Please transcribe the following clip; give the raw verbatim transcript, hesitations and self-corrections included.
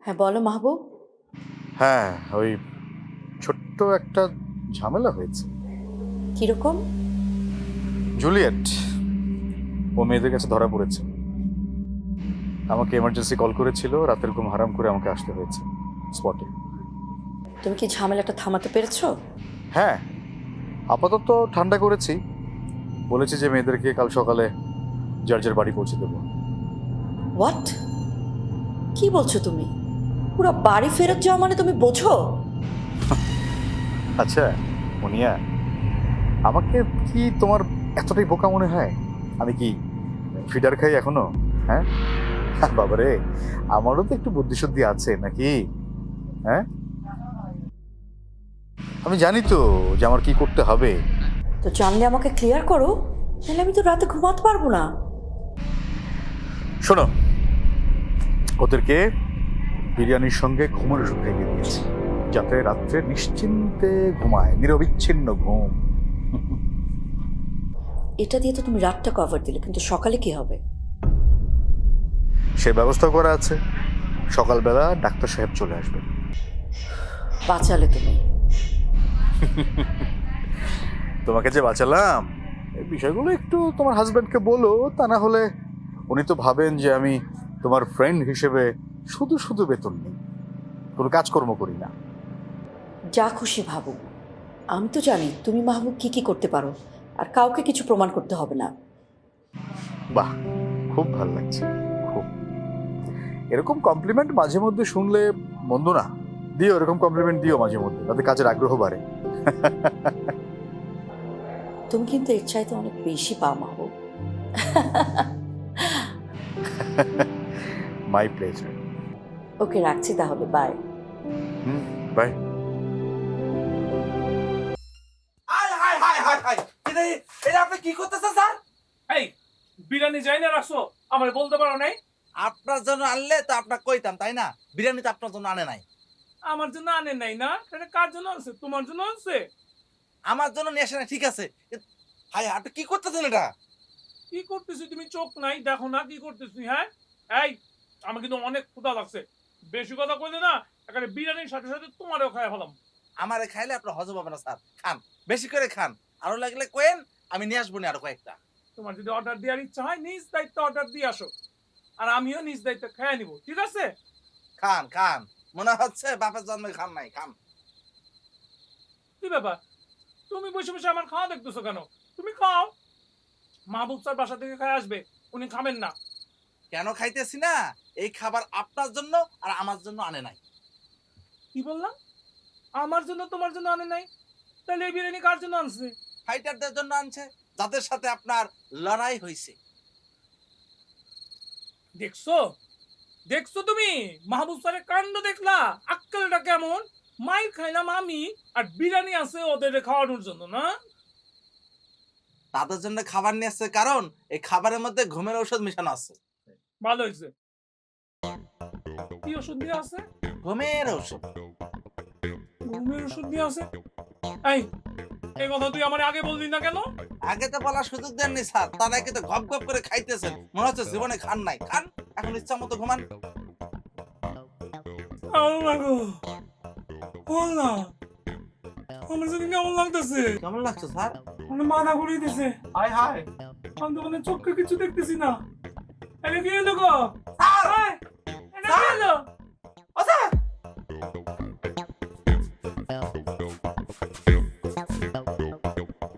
হ্যাঁ বলো মাহবুব। হ্যাঁ, ওই ছোট্ট একটা ঝামেলা হয়েছে। কিরকম? জুলিয়েট ও মেয়েদের কাছে ধরা পড়েছে। আমাকে এমার্জেন্সি কল করেছিল, রাতের ঘুম হারাম করে আমাকে আসতে হয়েছে স্পটে। তুমি কি ঝামেলাটা থামাতে পেরেছো? হ্যাঁ, আপাতত ঠান্ডা করেছি। বলেছি যে মেয়েদেরকে কাল সকালে যার যার বাড়ি পৌঁছে দেবো। হোয়াট? কি বলছো তুমি? পুরো বাড়ি ফেরত যাওয়া মানে তুমি বোঝো? আচ্ছা মুনিয়া, আমাকে কি তোমার এতটাই বোকা মনে হয়? আমি কি ফিডার খাই এখনো? হ্যাঁ বাবারে, আমারও তো একটু বুদ্ধিশুদ্ধি আছে নাকি? হ্যাঁ, আমি জানি তো যে আমার কি করতে হবে। তো জানলে আমাকে ক্লিয়ার করো, তাহলে আমি তো রাতে ঘুমাতে পারবো না। শোনো, ওদেরকে বিরিয়ানির সঙ্গে ঘুমের ওষুধ খাইয়ে দিয়েছি, যাতে রাত্রে নিশ্চিন্তে ঘুমায়, নিরবিচ্ছিন্ন ঘুম। এটা দিয়ে তো তুমি রাতটা কভার দিলে, কিন্তু সকালে কি হবে? সে ব্যবস্থা করা আছে। সকালবেলা ডাক্তার সাহেব চলে আসবেন। বাঁচালে তুমি। তোমাকে যে বাঁচালাম, এই বিষয়গুলো একটু তোমার হাজব্যান্ডকে বলো, তা না হলে উনি তো ভাবেন যে আমি তোমার ফ্রেন্ড হিসেবে শুধু শুধু বেতন নিই, কোনো কাজকর্ম করি না। যা খুশি ভাবো, আমি তো জানি তুমি মাহবুব কি কি করতে পারো, আর কাউকে কিছু প্রমাণ করতে হবে না। বাহ, খুব ভালো লাগছে, খুব। এরকম কমপ্লিমেন্ট মাঝে মধ্যে শুনলে মন্দ না। দিও, এরকম কমপ্লিমেন্ট দিও মাঝে মধ্যে, তাতে কাজের আগ্রহ বাড়ে। তুমি কিন্তু এর চাইতে অনেক বেশি পাও মাহবুব। My pleasure. ওকে, রাখছি তাহলে, বাই। হুম, bye. Hi hi hi hi hi এটা এটা আপনি কি করতেছেন স্যার? এই বিরিয়ানি যাই না রাখছো, আমার বলতে পারো নাই? আপনার জন্য আনলে তো আপনার কইতাম, তাই না? বিরিয়ানি তো আপনার জন্য আনে নাই। আমার জন্য আনে নাই না, তাহলে কার জন্য আনছে? তোমার জন্য আনছে। আমার জন্য নিয়ে আসে না, ঠিক আছে। এ- হাই আপনি কি করতেছেন এটা? কি করতেছি? তুমি চোখ নাই, দেখো না কি করতেছি? হ্যাঁ, এই আমার কিন্তু অনেক ক্ষুধা লাগছে। বেশি কথা কইলে না, এখানে বিরিয়ানির সাথে সাথে তোমারও খাই ফেলাম। আমারে খাইলে আপনার হজম হবে না স্যার। খান, বেশি করে খান। আরো লাগলে কোয়েন, আমি নিয়ে আসবো না আরো কয়েকটা। তোমার যদি অর্ডার দেওয়ার ইচ্ছা হয়, নিজ দায়িত্ব অর্ডার দিয়ে আসো, আর আমিও নিজ দায়িত্ব খেয়ে নিব, ঠিক আছে? খান খান, মনে হচ্ছে বাপের জন্মে খান নাই, খান। কি ব্যাপার, তুমি বসে বসে আমার খাওয়া দেখতেছো কেন? তুমি খাও। মাহবুব স্যার বাসা থেকে খাই আসবে, উনি খাবেন না। কেন খাইতেছি না? এই খাবার আপনার জন্য আর আমার জন্য আনে নাই। কি বললাম? আমার জন্য তোমার জন্য আনে নাই? তাহলে এই বিরিয়ানি কার জন্য আনছে? ফাইটারদের জন্য আনছে, যাদের সাথে আপনার লড়াই হয়েছে। দেখছো দেখছো তুমি মাহবুব স্যারের কাণ্ড দেখলা? আক্কেলটা কেমন! মাইর খাইলাম আমি, আর বিরিয়ানি আছে ওদের খাওয়ানোর জন্য না? তাদের জন্য খাবার নিয়ে আসছে, কারণ এই খাবারের মধ্যে ঘুমের ঔষধ মিশানো আছে। ভালো হয়েছে। কি ওষুধ দিয়ে আছে? ঘুমের ঔষধ। ঘুমের ওষুধ দিয়ে আছে? এই এই কথা তুই আমার আগে বললি না কেন? আগে তো বলার সুযোগ দেননি স্যার, তারা কিন্তু গপ গপ করে খাইতেছেন, মনে হচ্ছে জীবনে খান নাই। খান, এখন ইচ্ছা মতো ঘুমান। আল্লাহ গো, বলনা আমার যদি কেমন লাগতেছে। কেমন লাগছে স্যার? মানে মাথা ঘুরিয়ে দিছে। হাই হাই আমি তো মানে চোখে কিছু দেখতেছি না। এটা কি হলো গো? স্যার! এই, এটা কি হলো? ও স্যার!